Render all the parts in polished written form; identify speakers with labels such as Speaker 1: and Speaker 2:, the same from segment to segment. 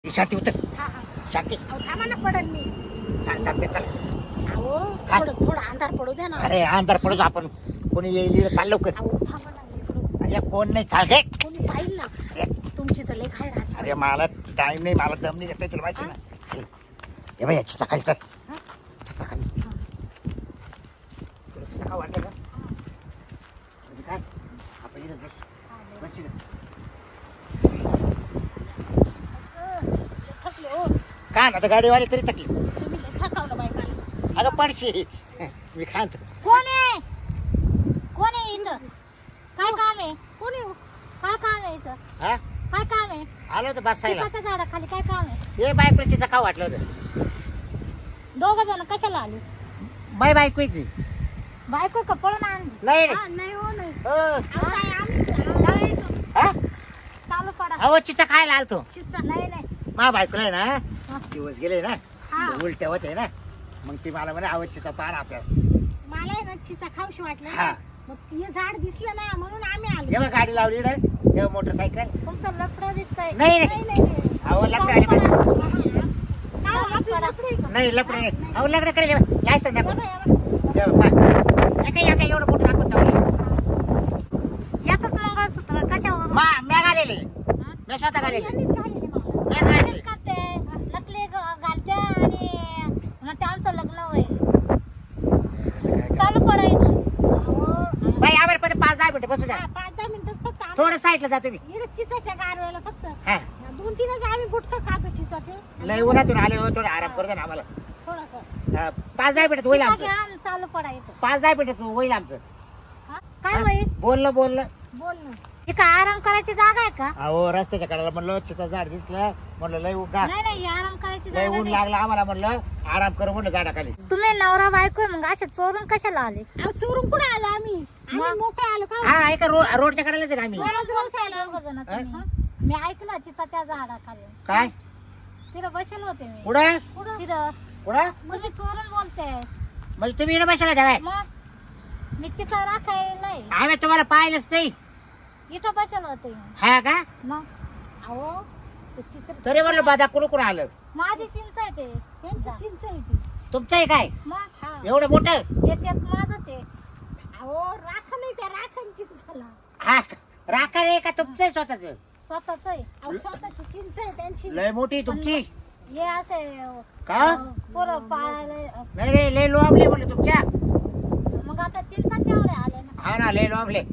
Speaker 1: शांती उतर.
Speaker 2: हा, हा.
Speaker 1: शांती.
Speaker 2: अहो, थांबा ना पडल मी.
Speaker 1: चाल चाल चल.
Speaker 2: अहो
Speaker 1: काय?
Speaker 2: थोडं अंधार पडू द्या ना.
Speaker 1: अरे अंधार पडू दे, आपण कोणी येईल इकडे, चाल लवकर.
Speaker 2: अहो थांबा ना इकडं.
Speaker 1: अरे कोण नाही, चाल गे.
Speaker 2: कोणी पाहिल ना तुमची तर लेख आहे राहत.
Speaker 1: अरे मला टाइम नाही, मला दम नाही घेता तुला माहिती ना. चल हे बाई याची सकाळी चल.
Speaker 2: हा?
Speaker 1: सकाळी
Speaker 2: हा.
Speaker 1: तुला सकाळ वाटलं का म्हणजे काय आपण इकडे बस. बस इकडे.
Speaker 2: थकले हो
Speaker 1: काय ना आता गाडीवाले तरी थकली.
Speaker 2: तुम्ही लय थकावलं बायकाला.
Speaker 1: अगं पडशी मी खात.
Speaker 3: कोण आहे कोण आहे इथं काय काम आहे
Speaker 2: कोणी हो?
Speaker 3: काय काम आहे इथं
Speaker 1: हा
Speaker 3: काय काम आहे
Speaker 1: आलो होतो बसायला.
Speaker 3: चिकाच्या झाडाखाली काय काम आहे
Speaker 1: हे बायकोची सकाळ वाटलं होतं.
Speaker 3: दोघं जण कशाला आले
Speaker 1: बाय बायको इथे
Speaker 3: बायको कपडून आणली
Speaker 1: नाही
Speaker 2: हा, नाही हो नाही.
Speaker 1: हो.
Speaker 2: अहो, काय आम्ही
Speaker 1: हा
Speaker 3: चालू पडा
Speaker 1: अहो चिचा खायला आलतो.
Speaker 2: चिचा.
Speaker 3: नाही नाही
Speaker 1: मा बायकोला आहे
Speaker 3: हा.
Speaker 1: ना दिवस गेले ना
Speaker 2: हा.
Speaker 1: उलट्या होते ना, मग ती मला म्हणे आवडचीचा पार आपल्याला.
Speaker 2: मला आहे ना चिचा खाऊशी वाटलं
Speaker 1: हा.
Speaker 2: ना. मग हे झाड दिसलं ना म्हणून आम्ही आलो.
Speaker 1: जेव्हा गाडी लावली ना तेव्हा मोटरसायकल
Speaker 3: तुमचं लफडं दिसतंय
Speaker 1: नाही
Speaker 2: नाही
Speaker 1: नाही
Speaker 2: नाही नाही.
Speaker 1: अहो लपडे आले माझे.
Speaker 2: हा, हा. काय आपली लफडी आहे का?
Speaker 1: नाही लपडे नाही. अहो लपडे करेल लायसन द्या.
Speaker 2: एवढं, एवढं.
Speaker 1: एका एवढं मोठं दाखवून ठेवलं.
Speaker 3: यातच मंगळसूत्र कशावर
Speaker 1: म्या घालेले मी स्वतः घालेले.
Speaker 2: यांनीच घालेले मला.
Speaker 1: म्या घालेले.
Speaker 3: करते नकली घालते आणि मग ते आमचं लग्न होईल चालू पडा इथून
Speaker 2: अहो,
Speaker 1: बाई आम्हाला पण 5-10 मिनिटं बसू द्या.
Speaker 2: हा, 5-10 मिनिटं फक्त आम्ही-
Speaker 1: थोडं साईडला जातो मी.
Speaker 2: इकडे चिसाच्या गारव्याला फक्त
Speaker 1: हा
Speaker 2: 2-3च आम्ही गुटखं खातो चिसाचे.
Speaker 1: लय उन्हातून आले हो, थोडं आराम करू दे ना आम्हाला.
Speaker 2: थोडंसं.
Speaker 1: 5-10 मिनिटात होईल
Speaker 3: चिका
Speaker 1: आमचं.
Speaker 3: घ्या आणि चालू पडा इथं
Speaker 1: 5-10 मिनिटात होईल आमचं.
Speaker 3: काय होईल
Speaker 1: बोललं
Speaker 2: बोल ना.
Speaker 3: इथं आराम करायची जागा आहे का
Speaker 1: अहो रस्त्याच्या कडेला म्हणलं चिचा झाड दिसलं, म्हणलं लय उगा
Speaker 3: नाही नाही आराम करायची
Speaker 1: लय
Speaker 3: जागा
Speaker 1: ऊन
Speaker 3: नाही.
Speaker 1: लागला आम्हाला, म्हणलं आराम करू म्हणलं झाडाखाली.
Speaker 3: तुम्ही नवरा बायको आहे, मग असे चोरून कशाला आले
Speaker 2: अहो, चोरून कुठे आलो आम्ही
Speaker 3: मग?
Speaker 2: मोकळे आलो का
Speaker 1: हा एका रोडच्या कडेलाच आहे का आम्ही.
Speaker 2: चोराच रोज आलो.
Speaker 3: दोघं जण
Speaker 1: हा?
Speaker 3: तुम्ही. मी ऐकलं चिताच्या झाडाखाली
Speaker 1: काय
Speaker 3: तिथं बसेल होते मी
Speaker 1: पुढं
Speaker 3: तिथं
Speaker 1: पुढं
Speaker 3: तुम्ही चोरून बोलते
Speaker 1: म्हणजे तुम्ही इकडे बसला काय
Speaker 3: मग मी चिता राखायला
Speaker 1: आम्ही तुम्हाला पाहिलंच नाही.
Speaker 3: इथं बसेल होते
Speaker 1: हा का
Speaker 3: मग
Speaker 2: अहो ते चित्र-
Speaker 1: तरी म्हणलं बाधा कुठून आलं.
Speaker 3: माझी चिंता आहे ते
Speaker 2: त्यांची चिंच आहे ती.
Speaker 1: तुमचं आहे काय
Speaker 3: मग
Speaker 2: हा.
Speaker 1: एवढं मोठं.
Speaker 3: हे शेत माझंच आहे
Speaker 2: अहो राख नाही त्या राखांची झाला.
Speaker 1: हा राखा रे का तुमचं आहे स्वतःच.
Speaker 3: स्वतःच आहे
Speaker 2: अहो स्वतःची चिंच आहे त्यांची.
Speaker 1: लय मोठी तुमची
Speaker 3: हे असे
Speaker 1: का
Speaker 3: पोरं पाळायला
Speaker 1: नाही रे लय लोंबले म्हणलं तुमच्या.
Speaker 3: मग आता चिंता तेवढे आले ना
Speaker 1: हा ना लय लोंबले.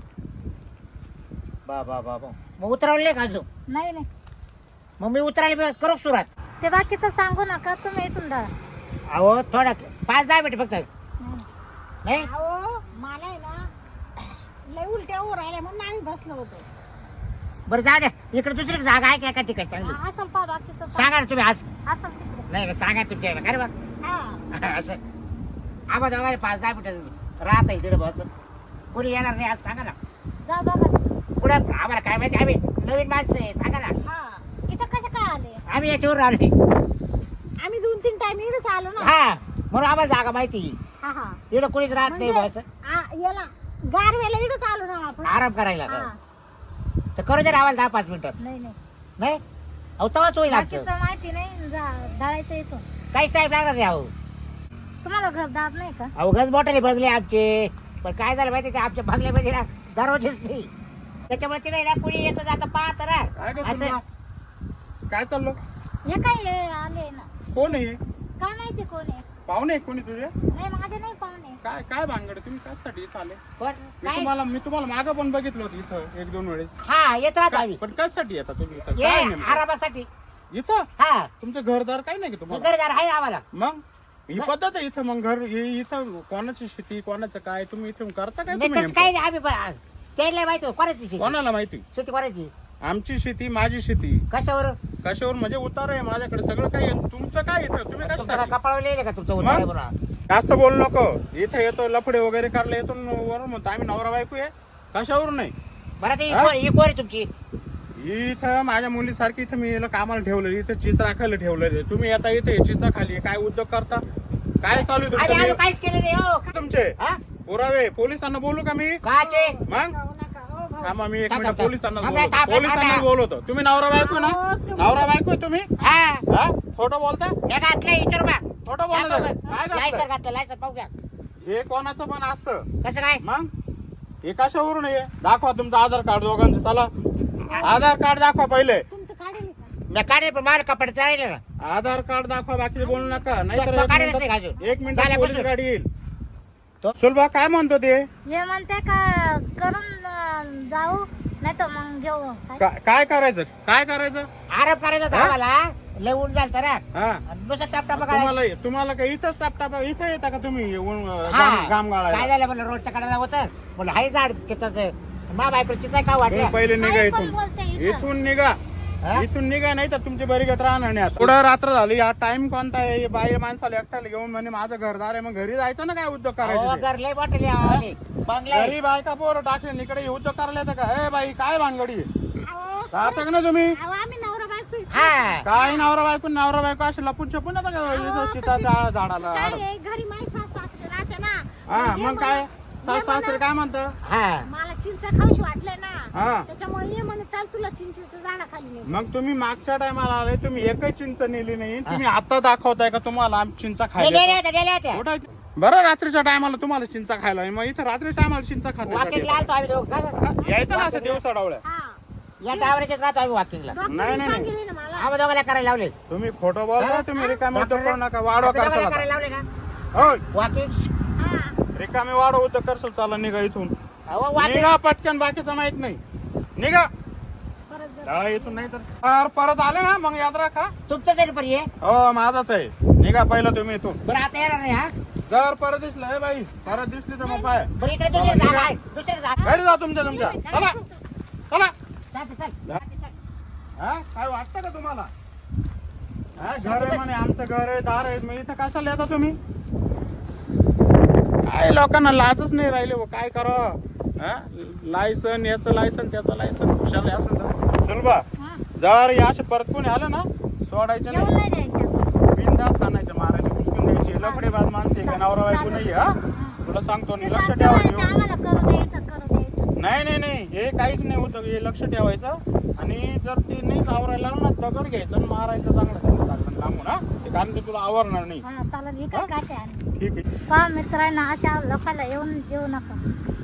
Speaker 1: बा मग उतरवले का अजून.
Speaker 3: नाही नाही
Speaker 1: मग मी उतरायला करू सुरुवात.
Speaker 3: ते बाकीचं सांगू नका तुम्ही इथून जा
Speaker 1: अहो थोडा 5-10 मिनिट फक्त. नाही
Speaker 2: अहो मला आहे ना लय उलट्या होऊ राहिल्या म्हणून आम्ही बसलो होतो.
Speaker 1: बरं जा द्या, इकडे दुसरी जागा आहे का एका ठिकाणी चांगली.
Speaker 3: असं पा बाकीचं
Speaker 1: सांगा ना तुम्ही आज.
Speaker 3: असं तिकडे
Speaker 1: नाही सांगा तुमच्या काय रे बा.
Speaker 2: हा
Speaker 1: असं आम्हाला दोघांना 5-10 मिनिटं राहता तिकडे बस. कोणी येणार नाही आज सांगा ना.
Speaker 3: जा बघा
Speaker 1: पुढे आम्हाला काय माहिती, आम्ही नवीन माणसं आहे सांगा ना.
Speaker 2: हा
Speaker 3: इथं कसं काय आले
Speaker 1: आम्ही याच्यावर आलोय.
Speaker 2: आम्ही 2-3 टाइम इकडेच आलो ना.
Speaker 1: हा म्हणून आम्हाला जागा माहिती.
Speaker 2: हा हा
Speaker 1: इकडं कोणीच राहत नाही बस
Speaker 2: याला गारव्याला इकडेच आलो ना आपण.
Speaker 1: आराम करायला.
Speaker 2: हा.
Speaker 1: तर करू दे आम्हाला 10-5 मिनिटात.
Speaker 3: नाही नाही
Speaker 1: नाही अहो तवाच होईल आमचं.
Speaker 3: बाकीचं माहिती नाही धाडायचं इथून
Speaker 1: काहीच टाईम लागणार नाही. अहो
Speaker 3: तुम्हाला घर दाब नाही का
Speaker 1: अहो गज मोठाले बघले आमचे, पण काय झालं माहिती का आमच्या बंगल्यामध्ये ना दरवाजेच नाही. त्याच्यामुळे तिकडे ना कुणी येतं जातं पाहत
Speaker 4: काय
Speaker 1: ना
Speaker 4: गं
Speaker 1: असं.
Speaker 4: सुरमा? काय चाललं
Speaker 3: हे काय हे आले ना
Speaker 4: कोण आहे
Speaker 3: काय माहिती कोण आहे
Speaker 4: पाहुणे आहे कोणी तुझे
Speaker 3: नाही माझे नाही पाहुणे
Speaker 4: काय काय भानगड तुम्ही कशासाठी इथं आले
Speaker 1: पण काय
Speaker 4: मी तुम्हाला मागं पण बघितलं होतं इथं 1-2 वेळेस
Speaker 1: हा येत राहतो आम्ही.
Speaker 4: पण कशासाठी येता तुम्ही इथं
Speaker 1: ये
Speaker 4: काय नेमकं?
Speaker 1: आरामासाठी.
Speaker 4: इथं
Speaker 1: हा
Speaker 4: तुमचं घरदार काही नाही का तुम्हाला
Speaker 1: घरदार आहे आम्हाला.
Speaker 4: मग ही पद्धत आहे इथं. मग घर इथं कोणाची शेती कोणाचं काय तुम्ही इथून करता काय
Speaker 1: नाही
Speaker 4: तुम्ही
Speaker 1: तसं काही
Speaker 4: नेमकं?
Speaker 1: नाही आम्ही त्याला माहिती कोणाची शेती.
Speaker 4: कोणाला माहिती
Speaker 1: शेती कोणाची
Speaker 4: आमची शेती माझी शेती
Speaker 1: कशावर
Speaker 4: कशावर म्हणजे उतार आहे माझ्याकडे सगळं काही आहे. तुमचं काय इथं तुम्ही
Speaker 1: तुमच्या
Speaker 4: कशासाठी
Speaker 1: कपाळावर लिहिले का तुमचं
Speaker 4: मग?
Speaker 1: उतारा म्हणून?
Speaker 4: जास्त बोलू नको. इथं येतो लफडे वगैरे करले येतो वरून म्हणतो आम्ही नवरा बायको आहे कशावरून नाही.
Speaker 1: बरं ते
Speaker 4: हा?
Speaker 1: ही कोण आहे तुमची.
Speaker 4: इथं माझ्या मुलीसारखी इथं मी याला कामाला ठेवलं इथं चित्र राखायला ठेवलं तुम्ही आता इथे चित्र खाली काय उद्योग करता काय चालू आहे
Speaker 1: आम्ही
Speaker 4: तुमचं
Speaker 1: काहीच केलं नाही हो.
Speaker 4: तुमचे
Speaker 1: हा?
Speaker 4: पुरावे पोलिसांना बोलू का मी
Speaker 1: काचे
Speaker 4: मग
Speaker 2: जाऊ नका. हो
Speaker 4: थांबा मी एक
Speaker 1: थांब,
Speaker 4: मिनिट
Speaker 1: थांब.
Speaker 4: पोलिसांना
Speaker 1: थांब,
Speaker 4: बोलवतो.
Speaker 1: थांब, थांब,
Speaker 4: पोलिसांना
Speaker 1: थांब.
Speaker 4: बोलवतो. तुम्ही नवरा बायको ना?
Speaker 2: हो, तुम्ही-
Speaker 4: नवरा बायको आहे तुम्ही?
Speaker 1: हा
Speaker 4: हा? खोटं बोलता?
Speaker 1: हे घातलं इतर बा
Speaker 4: खोटं बोलता? काय
Speaker 1: लायसर
Speaker 4: घातलं?
Speaker 1: घातलं लायसर पाहू घ्या
Speaker 4: हे कोणाचं पण असतं
Speaker 1: कसं काय
Speaker 4: मग हे कशावरून आहे दाखवा तुमचं आधार कार्ड दोघांचं चला आधार कार्ड दाखवा पहिले
Speaker 2: तुमचं काढेल का?
Speaker 1: मी काढेल पण मला कपडे चालेल ना
Speaker 4: आधार कार्ड दाखवा बाकी बोलू नका नाही
Speaker 1: तो काढेलच नाही अजून.
Speaker 4: एक मिनिट
Speaker 1: चालेल,
Speaker 4: पोलीस
Speaker 1: बसून.
Speaker 4: गाडी येईल
Speaker 1: तो-
Speaker 4: सुलभा काय म्हणतो ते
Speaker 3: हे म्हणते का करून जाऊ नाही तर मग घेऊ काय?
Speaker 4: काय करायचं काय करायचं
Speaker 1: आरोप करायचा होता
Speaker 4: हा?
Speaker 1: आम्हाला लय ऊन झालं तर
Speaker 4: हा
Speaker 1: नुसतं टापटाप काढायचं
Speaker 4: तुम्हाला काय इथंच टापटाप इथं येता का तुम्ही
Speaker 1: हा.
Speaker 4: गाम
Speaker 1: काय
Speaker 4: गाळायला
Speaker 1: झालं म्हणलं रोडच्या कडेला होतं म्हणलं हाय झाड त्याच मा बायको चिचा का
Speaker 4: तुम्ही
Speaker 1: वाटलं
Speaker 4: पहिले निघा
Speaker 3: काही पण
Speaker 4: इथून
Speaker 3: बोलते इथं.
Speaker 4: इथून निघा
Speaker 1: हा?
Speaker 4: इथून निघा नाही तर तुमची बरीगत राहणार नाही आता पुढं रात्र झाली या टाइम कोणता आहे बाहेर माणसाला एकट्याला घेऊन म्हणे माझं घरदार आहे मग घरी जायचं ना काय उद्योग
Speaker 1: अहो,
Speaker 4: करायचे
Speaker 1: घर लय मोठे बंगला आहे.
Speaker 4: घरी बायका पोरं टाकले इकडे उद्योग करायला येतं का ए बाई काय भानगडी
Speaker 2: अहो,
Speaker 4: राहता का ना तुम्ही
Speaker 2: अहो, आम्ही नवरा बायको आहे.
Speaker 1: हा
Speaker 4: काय नवरा बायको असे लपून छपून येतं का इथं चिताच्या झाडाला
Speaker 2: काय आहे, घरी माझी सासू सासरे राहते ना.
Speaker 4: हा
Speaker 2: ये
Speaker 4: मग काय
Speaker 2: म्हणे-
Speaker 4: सासरे काय म्हणतं
Speaker 1: हा
Speaker 2: मला चिंच खाऊशी वाटलंय ना
Speaker 4: हा
Speaker 2: त्याच्यामुळे ये म्हणे चाल तुला चिंचेचं झाडाखाली नेऊ.
Speaker 4: मग तुम्ही मागच्या टायमाला आले तुम्ही एकही चिंच नेली नाही तुम्ही आता दाखवताय का तुम्हाला आम्ही चिंचा
Speaker 1: ते
Speaker 4: खायला
Speaker 1: गेले होते गेले होते
Speaker 4: कुठं? बरं रात्रीच्या टायमाला तुम्हाला चिंचा खायला आहे. मग इथं रात्रीच्या टायमाला चिंचा खात
Speaker 1: वॉकिंगला आलतो आम्ही दोघं
Speaker 4: यायचं ना असं दिवसा डावळ्या
Speaker 2: हा
Speaker 1: या टावरच्याच राहतो आम्ही वॉकिंगला
Speaker 4: नाही,
Speaker 2: डॉक्टरने
Speaker 4: नाही.
Speaker 2: सांगितले ना मला.
Speaker 1: आम्ही दोघांना करायला लावले
Speaker 4: तुम्ही खोटं बोलता तुम्ही रिकामे उद्योग करू नका वाढवा
Speaker 1: आम्ही दोघांना
Speaker 4: करसाल
Speaker 1: करायला
Speaker 4: आता.
Speaker 1: लावले ना
Speaker 4: होय
Speaker 1: वॉकिंग
Speaker 2: हा.
Speaker 4: रिकामे वाढव उद्योग करसाल चाला निघा इथून
Speaker 1: अहो वॉकिंग
Speaker 4: निघा पटकन बाकीचं माहित नाही निघा
Speaker 2: परत जर
Speaker 4: डाळा इथून नाही तर परत आले ना मग याद राखा
Speaker 1: तुमचं तरी पण ये
Speaker 4: हो माझाच आहे निघा पहिलं तुम्ही इथून
Speaker 1: बरं आता येणार नाही हा
Speaker 4: जर परत दिसलं हे बाई परत दिसली तर मग पाय
Speaker 1: बरं इकडे दुसरी जागा आहे दुसरी जागा
Speaker 4: घरी जा तुमच्या चला चला
Speaker 1: चालते, चल.
Speaker 4: हा काय वाटतं का तुम्हाला हा घर आहे म्हणे आमचं घर आहे दार आहे मग इथं कशाला येता तुम्ही काय लोकांना लाजच नाही राहिले हो काय करावं लायसन याचं लायसन त्याचं लायसन खुशाला असं सुलभा
Speaker 3: हा.
Speaker 4: जर या असे परत कोणी आलं ना सोडायचं
Speaker 3: येऊन
Speaker 4: नाही
Speaker 3: नाही द्यायचं
Speaker 4: बिनधास्त आणायचं मारायचं उचकून द्यायची लफडेबाज माणसे काय नवरा बायको नाही हा तुला सांगतो
Speaker 3: ते
Speaker 4: लक्ष
Speaker 3: सांगतो ना, ते
Speaker 4: ठेवायचं
Speaker 3: आम्हाला करू द्यायचं
Speaker 4: नाही नाही नाही हे काहीच नाही होतं हे लक्ष ठेवायचं आणि जर ते नाही आवरायला लागलं ना दगड घ्यायचं आणि मारायचं चांगलं लागलं लांबून हा ते कारण ते तुला आवरणार नाही
Speaker 3: हा चालेल इकडे काटे आणि
Speaker 4: ठीक आहे
Speaker 3: पहा मित्रांनो अशा लोकांना येऊन देऊ नका